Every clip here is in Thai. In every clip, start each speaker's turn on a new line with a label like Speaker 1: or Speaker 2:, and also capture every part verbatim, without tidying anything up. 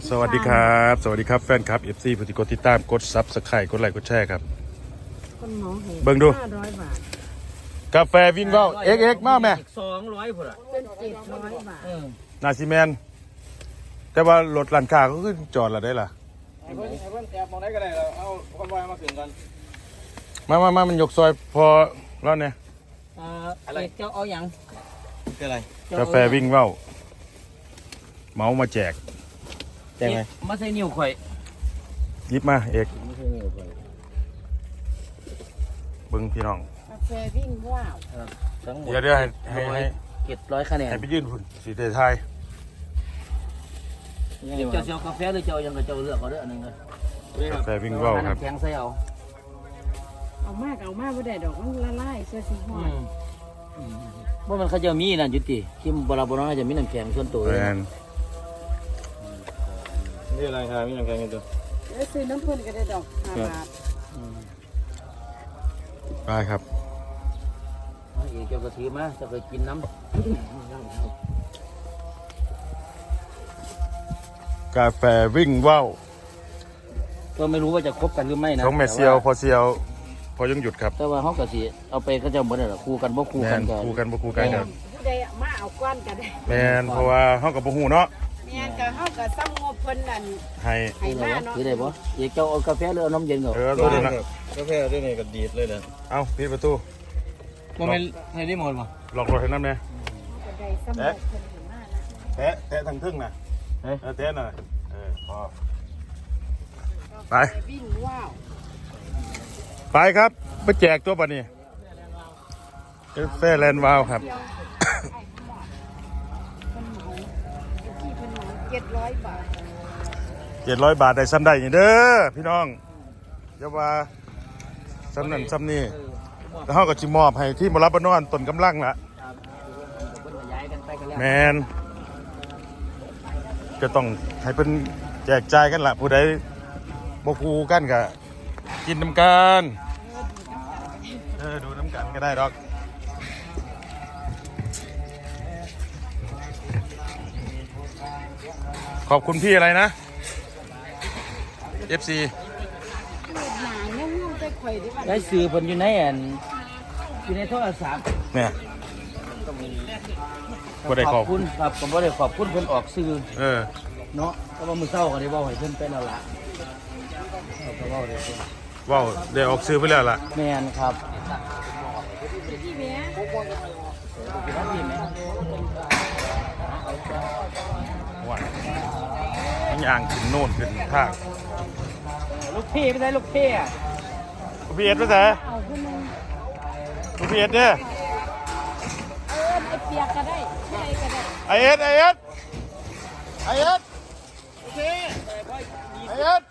Speaker 1: สวัสดีครับสวัสดีครับแฟนคลับ เอฟ ซี ผู้ที่กดติดตามกดซับสไครต์กดไลค์กดแชร์ครับ
Speaker 2: คนหมอเห็น
Speaker 1: เบิ่งดู
Speaker 2: ห้าร้อยบาท
Speaker 1: กาแฟวิ่งเว้าเอ็กเอ็กมาแม่
Speaker 3: สองร้อยพุ่นอ่ะ
Speaker 2: เป็นเจ็ดร้อยบาท
Speaker 1: นาซีแมนแต่ว่ารถร้านค้าก็ขึ้นจอดละได้ล่ะ
Speaker 3: ไอ้เพิ่นไอ้เพิ่นแอบมองได้ก็ได้เราเอาคอนวอยมาถึงกัน
Speaker 1: มามามามันยกซอยพอแล้วเนี่ย
Speaker 3: อ่าอะไรเจ้าเอาอย่างคืออะไร
Speaker 1: กาแฟวิ่งเว้าเมามาแจก
Speaker 3: แจกไหมมาใส่นิ้วข่อย
Speaker 1: ยิบมาเอก
Speaker 3: มาใส่นิ้วข่อย
Speaker 1: เบิ่งพี่น้อง
Speaker 2: กาแฟวิ่งว้าว
Speaker 3: ทั้งหมด
Speaker 1: เดี๋ยวเดี๋ยวให้ให้ให้
Speaker 3: เจ็ดร้อยคะแนน
Speaker 1: ให้ไปยื่นพุ่นสีเทไทย
Speaker 3: เจ้าเจ้ากาแฟหรือเจ้ายังกับเจ้าเลือกเอาเด้ออันนึงเลย
Speaker 1: กาแฟวิ่งเว้าครับ
Speaker 3: แข็งใส่เอา
Speaker 2: เอามากเอามากไม่ได้ดอกมันละลายเสื้อสีห้อย
Speaker 3: ว่ามันเขาจะมีนั่นยุติที่บราบน้อยจะมีน้ำแข็งส่วนตัวเลยนี่อะไรครับมีน้ำแข็งตัว
Speaker 2: แล้วซื้อน้ำพ่นก็ได้ดอกห้าบาท
Speaker 1: ได้ครับ
Speaker 3: อีกเจ้ากระถือมาจะไปกินน้ำ
Speaker 1: กาแฟวิ่งเว้า
Speaker 3: ก็ไม่รู้ว่าจะคบกันหรือไม่นะ
Speaker 1: ของแม่เซียวพอเซียวพอยังหยุดครับ
Speaker 3: แต่ว่าเขากะสิเอาไปก็จะเหมือนอะไรคู่กันบ่คู่กันกัน
Speaker 1: คู่กันบ่คู่กันครับ
Speaker 2: ผู้ใดมาเอาก้อนกันได้
Speaker 1: แมนเพราะว่าเขากับบ่ฮู้เนาะ
Speaker 2: แม่นก็เฮาก็ซ้ำงบเพิ่นนั่น
Speaker 1: ให้
Speaker 2: ให้มาเนาะ
Speaker 3: คือได้บ่อีกเจ้าเอากาแฟหรือเอาน้ำเย็นก่อน
Speaker 1: เออตัวนี้นะ
Speaker 3: กาแฟด้วยนี่ก็ดีดเลยเด้อ
Speaker 1: เอาปิดประตู
Speaker 3: บ่แม่นให้ได้หมดบ่
Speaker 1: ล็อกรถให้นำแน่
Speaker 2: ก็ได้ซ้ำงบเพิ่นให้มานะ
Speaker 1: แตะแตะทางทึ่งน่ะเออแตะน่ะเออพอไป
Speaker 2: วิ่งว้าว
Speaker 1: ไปครับไปแจกตัวปะนี่กาแฟแลนด์วาวครับ
Speaker 2: เจ็ดร้อยบาท
Speaker 1: เจ็ดร้อยบาทได้ซ้ำได้เด้อพี่น้องเดี๋ยวว่าซ้ำนั่นซ้ำนี่แล้วเขาก็จิมอบให้ที่มารับบนอนต้นกำลังละแมนก็ต้องให้เป็นแจกจ่ายกันละผู้ใดบกูกันกะกินน้ำกันเออดูน้ำกันก็ได้ดอกขอบคุณพี่อะไรนะ เอฟ ซี
Speaker 3: ได้ซื้อเพิ่นอยู่ในอันอยู่ในโทรศัพท์
Speaker 1: เนี่ยก็ได้ขอบ
Speaker 3: คุณครับผมบ่ได้ขอบคุณเพิ่นออกซื้อ
Speaker 1: เออ
Speaker 3: เนาะก็ว่ามื้อเช้าก็ได้เว้าให้เพิ่นไปแล้วล่ะก็เว้าได้
Speaker 1: ว้าวได้ออกซื้อไปแล้วล่ะ
Speaker 3: แม่นครับ
Speaker 1: ว้าวอย่างขึ้นโน่นขึ้นทาง
Speaker 3: ลูกพี่ไม่ใช่ลูกพี่อ่ะ
Speaker 1: ลูกพี่เอ็ดไปไหนลูกพี่เอ็ดเนี่ย
Speaker 2: เออไอเปียกก็ได้ใช่ก็ได้
Speaker 1: ไอเอ็ดไอเอ็ดไอเอ็ดโอเคไอเอ็ด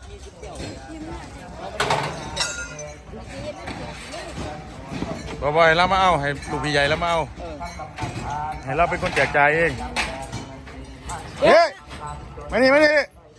Speaker 1: บ่อยๆเรามาเอาให้ลูกพี่ใหญ่แล้วมาเอาให้เราเป็นคนแจกจ่ายเองเฮ้ยมานี่มานี่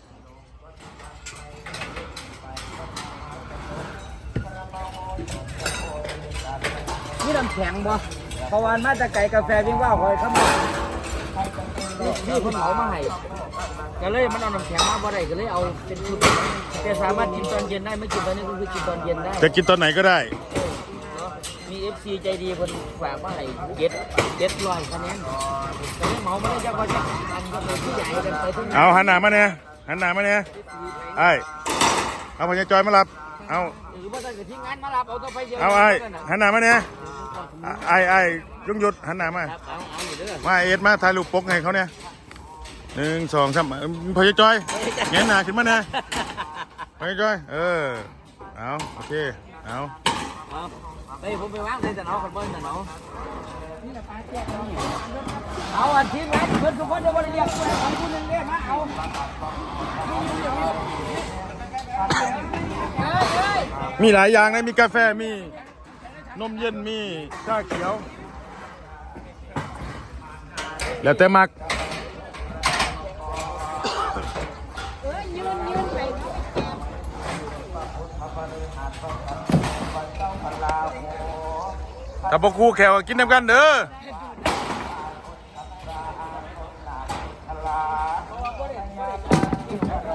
Speaker 3: นี่น้ำแข็งบ่เพราะวันมาจากไก่กาแฟวิ่งว่าคอยเข้ามานี่เพิ่นเอามาให้ก็เลยมันเอาน้ำแข็งมาบ่ได้ก็เลยเอาเป็นชุดแต่สามารถกินตอนเย็นได้ไม่กินตอนนี้ก็คือกินตอนเย็นได้
Speaker 1: จะกินตอนไหนก็ได้
Speaker 3: มี เอฟ ซี ใจดีคนฝากมาให้เจ็ดเจ็ดร้อยคะแนนแต่ไม่เหมาไม่ได้จะก็จะอันก็เป็นผู้ใหญ่กันไปทั้งนั้น
Speaker 1: เอาหันหน้ามาเนี่ยหันหน้ามาเนี่ยไอ้เอาพญาจอยมารับเอา
Speaker 3: หรือว่าจะทิ้งงานมารับเอาตัวไปเดียว
Speaker 1: เอาไอ้หันหน้ามาเนี่ยไอ้ไอ้ยุงหยุดหันหน้ามามาเอ็ดมาถ่ายรูปปกให้เขาเนี่ยหนึ่งสองสามพญาจอยเงี้ยหน้าขึ้นมาเนี่ยพญาจอยเออเอาโอเคเอา
Speaker 3: ไปผมไปวางในแต่น้องคนเบิ้ลแต่น้องเอาอันทีมงานเพื่อนทุกคนเดี๋ยวบริเรียกคนของคุณหนึ่งเนี่ยมาเอา
Speaker 1: มีหลายอย่างนะมีกาแฟมีนมเย็นมีชาเขียวแล้วแต่มักถ้าพวกคู่แขวกินน้ำกันเด้อ
Speaker 3: เ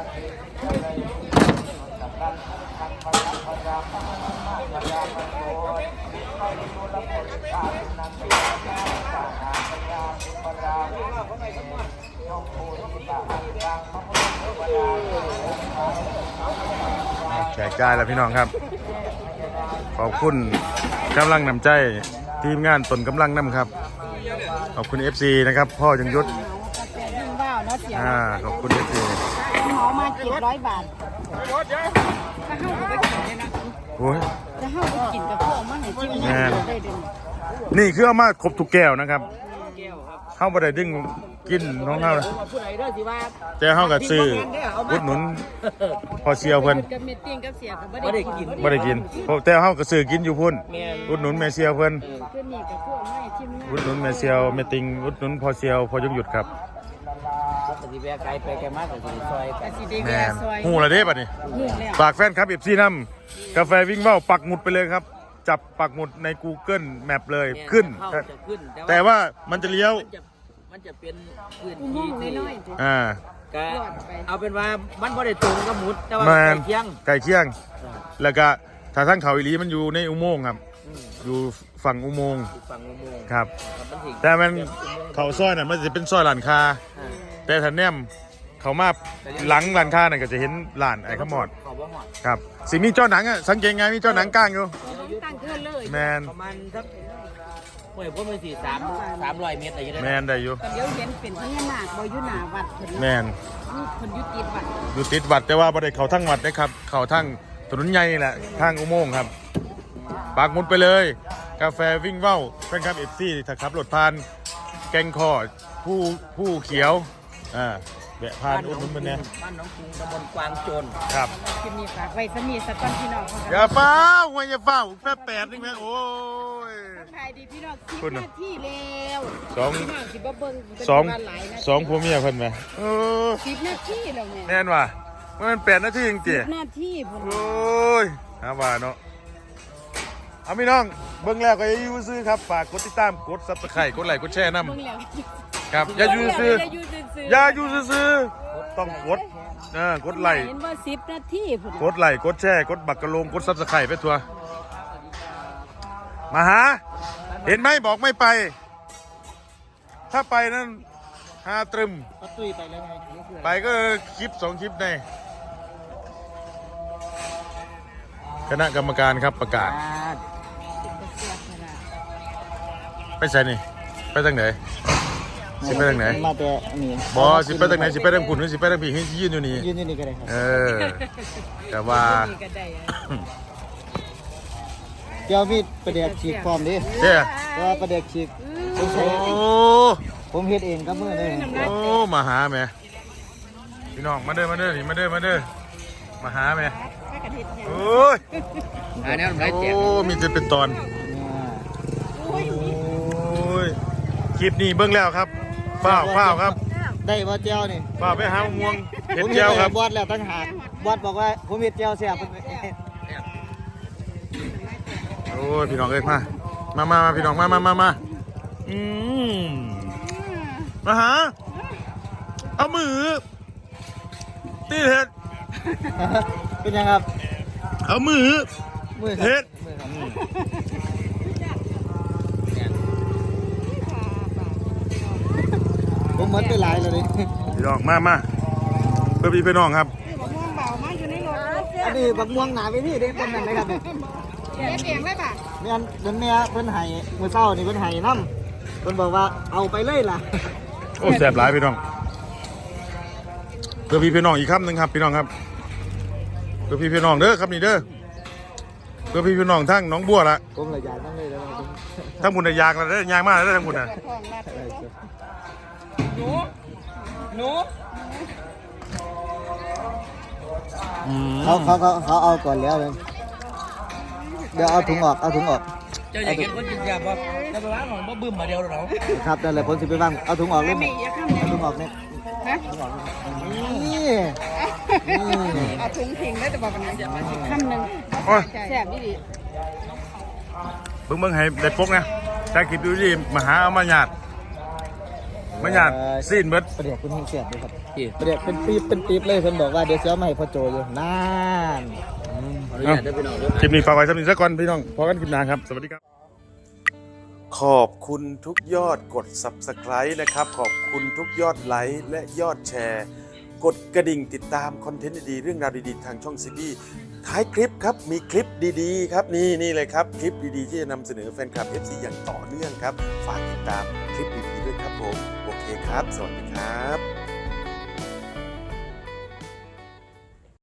Speaker 1: แจกจ่ายแล้วพี่น้องครับขอบคุณกำลังนำใจทีมงานตนกำลังนำครับขอบคุณ เอฟ ซี นะครับพ่อยังยุทธ
Speaker 2: กาแฟยิ่งว่าวเนาะเสียว
Speaker 1: อ่าขอบคุณ เอฟ ซี
Speaker 2: หมอมาเจ็ดร้อยบาทถ้าเข้าไปกินเลยนะ
Speaker 1: โอ้ย
Speaker 2: จะเข้าไปกินกับพวกมันไหนที่มันได้เด่น
Speaker 1: นี่คือเอามาครบทุกแก้วนะครับ
Speaker 3: แก้วครับ
Speaker 1: เข้าบ่ได้ดึงกินน้องเฮานะ
Speaker 3: ผู้ใดเด้อสิว่า
Speaker 1: แต่เฮาก็ซื้ออุดหนุนพอเชียวเพิ่น
Speaker 2: กับเมตติ้งกับเสียกับ
Speaker 3: บ่ได้กิน
Speaker 1: บ่ได้กินเพราะแต่เฮาก็ซื้อกินอยู่พุ่น
Speaker 3: แม่น
Speaker 1: อุดหนุนแม่เชียวเพิ่น
Speaker 2: คือนี่กับพวกไม่ที่มัน
Speaker 1: อุดหนุนแม่เชียวแม่ติงอุดหนุนพอเชียวพอยงหยุดครับ
Speaker 3: ปฏิแวะไกลไปไกลมากก็สิซอยกั
Speaker 2: กะ
Speaker 3: น
Speaker 2: สิเดี
Speaker 1: แม่
Speaker 2: ย
Speaker 1: น
Speaker 2: ซอย
Speaker 1: ฮู้ละเด้บัดนี้
Speaker 2: หูแล้ว
Speaker 1: ฝากแฟนครับ เอฟ ซี นำกาแฟวิ่งว่าวปักหมุดไปเลยครับ จับปักหมุดใน Google Map เลยขึ้น
Speaker 3: เข้าจะขึ้น
Speaker 1: แต่ว่ามันจะเลี้ยว
Speaker 3: มันจะมันจะเป็นพื้น
Speaker 2: อุโม
Speaker 3: ที่
Speaker 2: งค์
Speaker 3: ที่
Speaker 2: น้อยๆจ้ะ
Speaker 1: อ่า
Speaker 3: ก็เอาเป็นว่ามันบ่ได้ตรงกับหมุดแต่ว่า
Speaker 1: แม
Speaker 3: ใกล้
Speaker 1: น
Speaker 3: เคียง
Speaker 1: ไก่เคียง
Speaker 3: อ่า
Speaker 1: แล้วก็ถ้าทั้งเขาอีหลีมันอยู่ในอุโมงค์ครับ
Speaker 3: อืม
Speaker 1: อยู่ฝั่งอุโมงค์
Speaker 3: อยู่ฝั่งอุโมงค์
Speaker 1: ครับ
Speaker 3: มันสิ
Speaker 1: แต่มัน
Speaker 3: เป็นอุโมงค์
Speaker 1: เขาซอยน่ะมันจะเป็นซอยหลานคา
Speaker 3: อ่า
Speaker 1: แต่ถ้าแนมเขามาหลังหลานคาน่ะก็จะเห็นหลานไอ้ขมอด
Speaker 3: เขาบ่ฮอด
Speaker 1: ครับสิมีเจ้าหนังอ่ะสังเกตไงมีเจ้าหนังก้างอยู่
Speaker 2: ตั้งเกินเลย
Speaker 1: แมน
Speaker 3: ประมาณสักห้วยพ่นไปสี่สามสามร้อยเมตรอะไรอย่างเงี้ย
Speaker 1: แมนได้อยู่
Speaker 2: เดี๋ยวเห็นเป็นพญานาคบ่อยู่หน้าวัดเพิ่น
Speaker 1: แมน
Speaker 2: นี่เพิ่นอยู่ติดวัด
Speaker 1: อยู่ติดวัดแต่ว่าบ่ได้เขาทั้งวัดนะครับ เขาทั้งถนนใหญ่นี่แหละทางอุโมงค์ครับปากหมุดไปเลย กาแฟวิ่งเว้าแฟนคลับเอฟซีถ้าขับรถผ่านแกงคอผู้ผู้เขียวอ่าแบะผ่านอุดหนุนมันเนี่ย
Speaker 3: บ้านหน้องกรุงตำบลกวางโจร
Speaker 1: ครับ
Speaker 2: คลิปนี้ฝากไว้สมีสักก่อนพี่น้องเขา
Speaker 1: อย่าเฝ้าไว้อย่าเฝ้าแป๊บแปดนี่แม่โอ้ย
Speaker 2: ถ่ายดีพี่น้องสิบ
Speaker 1: คุณน่ะ
Speaker 2: นาทีแล้ว
Speaker 1: สอง
Speaker 2: พี่น้องสิบ่เบิ่งเป็น
Speaker 1: สอง
Speaker 2: วันหลายนาที
Speaker 1: สองผัวเมียเพิ่นไหมเออ
Speaker 2: สิบนาทีแล้วแม่
Speaker 1: แน่นว่ะมันแปดนาทีจริง
Speaker 2: สิ
Speaker 1: จี
Speaker 2: บนาทีพุ่น
Speaker 1: โอ้ยหาว่าเนาะเอาพี่น้องเบิ่งแล้วก็อย่าอยู่ซื้อครับฝากกดติดตามกดซับสไครต์กดไลค์กดแชร์นำ
Speaker 2: เบิ่งแล้ว
Speaker 1: ครับอย่าอยู่ซื้อ
Speaker 2: อย่าอยู่ซื่อๆ
Speaker 1: อย่าอยู่ซื้อๆต้องกดเออกดไลค์
Speaker 2: เห็นว่าสิบนาทีพุ่น
Speaker 1: กดไลค์กดแชร์กดบักกะโลงกดซับสไครต์ไปทัวมาหา เห็นไหมบอกไม่ไป ถ้าไปนั้นหาตรึม
Speaker 3: ก็ตุ้ยไปแล้วไง
Speaker 1: ไปก็คลิปสองคลิปในคณะกรรมการครับประกาศ ไปใส่นี่ ไปทางไหนสิไปทางไหน
Speaker 3: มาแต่อันนี้
Speaker 1: บอสิไปทางไหนสิไปทางขุนหรือสิไปทางผีให้ยืนอยู่นี่
Speaker 3: ยืนอยู่นี่ก็ได้ครับ
Speaker 1: เออแต่ว่า
Speaker 2: นี่ก็ได้อะ
Speaker 3: เดี๋ยวมีประเดี๋ยวฉีกฟอร์มดิ
Speaker 1: เจ้า
Speaker 3: แต่ว่าประเดี๋ยวฉีกผม
Speaker 1: โอ้
Speaker 3: ใช้ผมเฮ็ดเองกับมือเลย
Speaker 1: โอ้มาหาแม่พี่น้องมาเด้อมาเด้อนี่มาเด้อมาเด้อมาหาแม่
Speaker 2: ถ้ากระเทียมเนี่ย
Speaker 1: โอ้ย
Speaker 3: อันนี้มันไรแจก
Speaker 1: โอ้มีจะเป็นตอนโอ้ยคลิปนี้เบิ่งแล้วครับเฝ้าวฝ้าวครับ
Speaker 3: ได้บ่เจียวนี่
Speaker 1: ฝ้าวไปหาม่วงเห็ด
Speaker 3: ผม
Speaker 1: เจียวครับ
Speaker 3: บอดแล้วตั้งหากบอดบอกว่าผมเฮ็ดเจียวเสียบ
Speaker 1: โอ้ยพี่น้องเอ้ยมามามามาพี่น้องมามามามาอืมมาหาเอามือตีเห็ด
Speaker 3: เป็นยังครับ
Speaker 1: เอามือ
Speaker 3: มือครับ
Speaker 1: เฮ็ด
Speaker 3: มือครับ
Speaker 1: อืม
Speaker 3: ผมหมดไปหลายแล้วดิ
Speaker 1: พี่น้องมามาเพื่อพี่พี่น้องครับ
Speaker 2: มะม่วงเบามาอยู่ในรถ
Speaker 3: อันนี้บักม่วงหนาไปนี่เด้เป็นนั่นเลยครับเนี่ย
Speaker 2: เก็บเองเลยป่ะ
Speaker 3: แม่นเดินแม่เพิ่นให้มื้อเช้านี่เพิ่นให้นำเพิ่นบอกว่าเอาไปเลยล่ะ
Speaker 1: โอ้แสบหลายพี่น้องเพื่อพี่พี่น้องอีกคำหนึ่งครับพี่น้องครับเพื่อพี่พี่น้องเด้อครับนี่เด้อเพื่อพี่พี่น้องทั้งหน้องบัวละ
Speaker 3: ผมละอยากนั่งเลยแล้วผม
Speaker 1: ทั้งบุญน่ะยางละเด้อยางมากแล้วเด้อทั้งบุญน่ะ
Speaker 2: ของรัด
Speaker 3: หนูหนู
Speaker 1: อืม
Speaker 3: เขาเขาเขาเขาเอาก่อนแล้วเลยเดี๋ยวเอาถุงออกเอาถุงออก
Speaker 4: เจ้าอยากเห็นคนกินยาบ่แต่ไปว่าหนอนบ่บึ้มมาเดียวหรอก
Speaker 3: ครับนั่นแหละผมสิไปวางเอาถุงออกเลย
Speaker 2: ไม่อย่าข้ามเนี่ย
Speaker 3: เอาถุงออกเนี่ย
Speaker 2: ฮะ
Speaker 3: นี่นี่
Speaker 2: เอาถุงทิ้งได้แต่บอกกันนะข้ามหนึ่ง
Speaker 1: โอ้ย
Speaker 2: แซ่บดีดี
Speaker 1: เบิ่งเบิ่งให้ได้ปกนะถ้าคลิปดูดีมาหาเอามาหยาดมาหยาดซีนเบิด
Speaker 3: ประเดี๋ยวคุณเฮงเสียบเลยครับประเดี๋ยวเป็นปีบเป็นปีบเลยเพิ่นบอกว่าเดี๋ยวจะเอามาให้พ่อโจอยู่นาน
Speaker 1: อื
Speaker 3: ขออนุญาตเด้อพี่น้องเด้อ
Speaker 1: คลิปนี้ฝากไว้สำหรับนี้ซะก่อนพี่น้องพอกันคลิปหน้าครับสวัสดีครับขอบคุณทุกยอดกด ซับสไครบ์ นะครับขอบคุณทุกยอดไลค์และยอดแชร์กดกระดิ่งติดตามคอนเทนต์ดีๆเรื่องราวดีๆทางช่องซีบีท้ายคลิปครับมีคลิปดีๆครับนี่นี่เลยครับคลิปดีๆที่จะนำเสนอแฟนคลับ เอฟ ซี อย่างต่อเนื่องครับฝากติดตามคลิปดีๆด้วยครับผมโอเคครับสวัสดีครับ